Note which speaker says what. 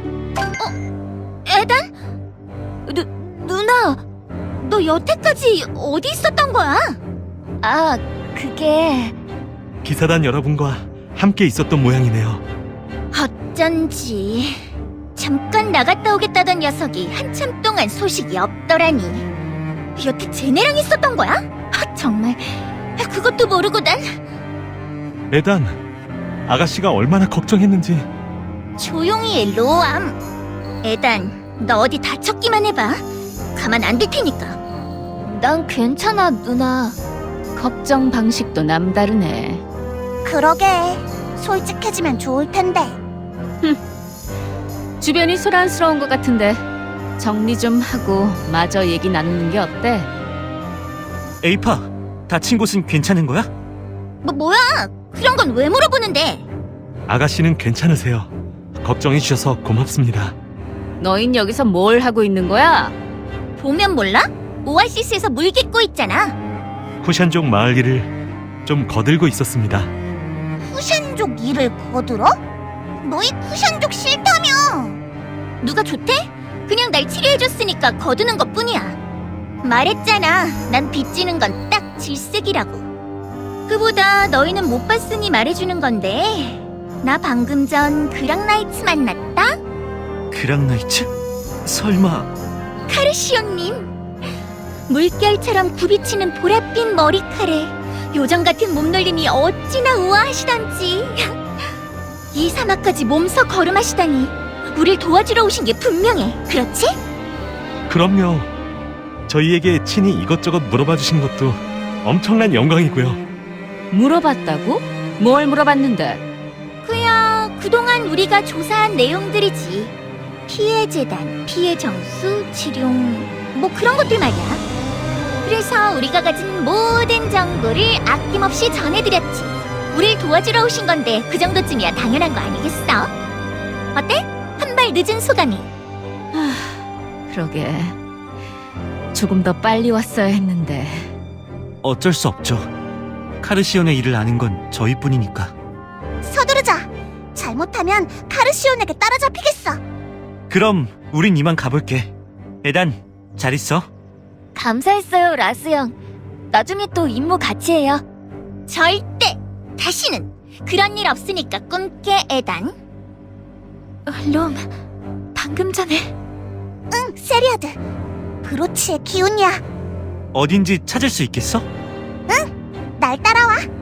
Speaker 1: 에단? 누나, 너 여태까지 어디 있었던 거야? 아, 그게...
Speaker 2: 기사단 여러분과 함께 있었던 모양이네요.
Speaker 1: 어쩐지 잠깐 나갔다 오겠다던 녀석이 한참 동안 소식이 없더라니. 여태 쟤네랑 있었던 거야? 정말 그것도 모르고 난...
Speaker 2: 에단, 아가씨가 얼마나 걱정했는지.
Speaker 1: 조용히 해, 로암. 에단, 너 어디 다쳤기만 해봐. 가만 안 둘 테니까. 난 괜찮아, 누나.
Speaker 3: 걱정 방식도 남다르네.
Speaker 1: 그러게, 솔직해지면 좋을 텐데.
Speaker 3: 주변이 소란스러운 것 같은데 정리 좀 하고 마저 얘기 나누는 게 어때?
Speaker 4: 에이파, 다친 곳은 괜찮은 거야?
Speaker 1: 뭐야? 그런 건 왜 물어보는데?
Speaker 2: 아가씨는 괜찮으세요. 걱정해 주셔서 고맙습니다.
Speaker 3: 너흰 여기서 뭘 하고 있는 거야?
Speaker 1: 보면 몰라? 오아시스에서 물 깃고 있잖아.
Speaker 2: 쿠샨족 마을 일을 좀 거들고 있었습니다.
Speaker 1: 쿠샨족 일을 거들어? 너희 쿠샨족 싫다며. 누가 좋대? 그냥 날 치료해줬으니까 거두는 것뿐이야. 말했잖아, 난 빚지는 건 딱 질색이라고. 그보다 너희는 못 봤으니 말해주는 건데, 나 방금 전 그랑나이츠 만났다?
Speaker 4: 그랑나이츠? 설마...
Speaker 1: 카르시온님, 물결처럼 굽이치는 보랏빛 머리카락, 요정 같은 몸놀림이 어찌나 우아하시던지. 이 사막까지 몸서 걸음하시다니 우릴 도와주러 오신 게 분명해. 그렇지?
Speaker 2: 그럼요. 저희에게 친히 이것저것 물어봐 주신 것도 엄청난 영광이고요.
Speaker 3: 물어봤다고? 뭘 물어봤는데?
Speaker 1: 그야 그동안 우리가 조사한 내용들이지. 피해 재단, 피해 정수, 치룡, 뭐 그런 것들 말이야. 그래서 우리가 가진 모든 정보를 아낌없이 전해드렸지. 우릴 도와주러 오신 건데 그 정도쯤이야 당연한 거 아니겠어? 어때? 한 발 늦은 소감이.
Speaker 3: 그러게 조금 더 빨리 왔어야 했는데.
Speaker 4: 어쩔 수 없죠. 카르시온의 일을 아는 건 저희뿐이니까.
Speaker 1: 서두르자. 잘못하면 카르시온에게 따라잡히겠어.
Speaker 4: 그럼 우린 이만 가볼게. 에단, 잘 있어.
Speaker 1: 감사했어요, 라스 형. 나중에 또 임무 같이 해요. 절대! 다시는! 그런 일 없으니까 꿈깨, 에단. 롬, 방금 전에... 응, 세리아드. 브로치의 기운이야.
Speaker 4: 어딘지 찾을 수 있겠어?
Speaker 1: 날 따라와.